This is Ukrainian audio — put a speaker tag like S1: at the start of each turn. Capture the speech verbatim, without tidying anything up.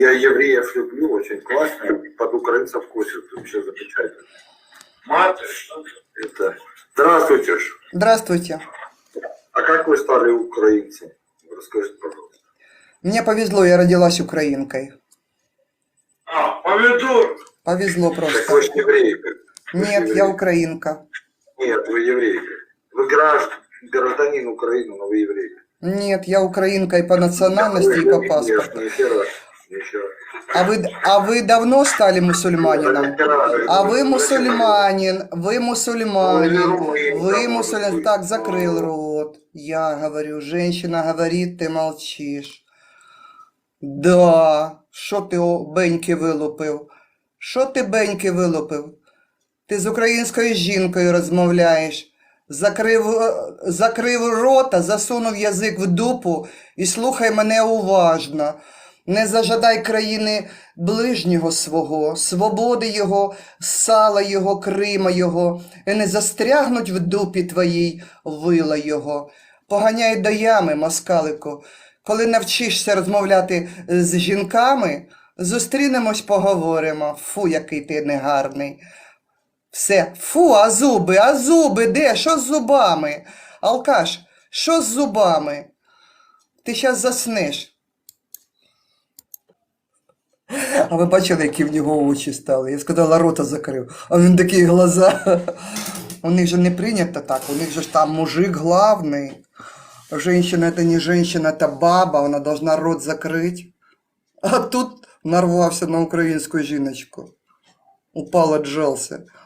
S1: Я евреев люблю, очень классно. Под украинцев косят, вообще замечательно. Маты, это... Здравствуйте.
S2: Здравствуйте.
S1: А как вы стали украинцем? Расскажите, пожалуйста.
S2: Мне повезло, я родилась украинкой.
S1: А, повезло.
S2: Повезло
S1: Так
S2: просто.
S1: вы же еврейка. Вы же
S2: Нет, я
S1: еврейка.
S2: украинка.
S1: Нет, вы еврейка. Вы граждан, гражданин Украины, но вы еврейка.
S2: Нет, я украинка и по национальности, и по паспорту.
S1: Нет, еще раз. Еще раз.
S2: А вы, а вы давно стали мусульманином? А вы мусульманин, вы мусульманин, вы мусульманин. Так, закрыл рот. Я говорю, женщина говорит, ты молчишь. Да, що ти о, беньки вилупив? Що ти беньки вилупив? Ти з українською жінкою розмовляєш. Закрив, закрив рота, засунув язик в дупу і слухай мене уважно. Не зажадай країни ближнього свого, свободи його, сала його, Крима його, і не застрягнуть в дупі твоїй вила його. Поганяй до ями, москалику. Коли навчишся розмовляти з жінками, зустрінемось, поговоримо. Фу, який ти негарний. Все, фу, а зуби, а зуби, де? Що з зубами? Алкаш, що з зубами? Ти щас заснеш. А ви бачили, які в нього очі стали? Я сказала, рота закрив. А він такі глаза. У них же не прийнято так, у них же ж там мужик главний. Женщина это не женщина, это баба, она должна рот закрыть. А тут нарвався на українську жіночку. Упал, отжался.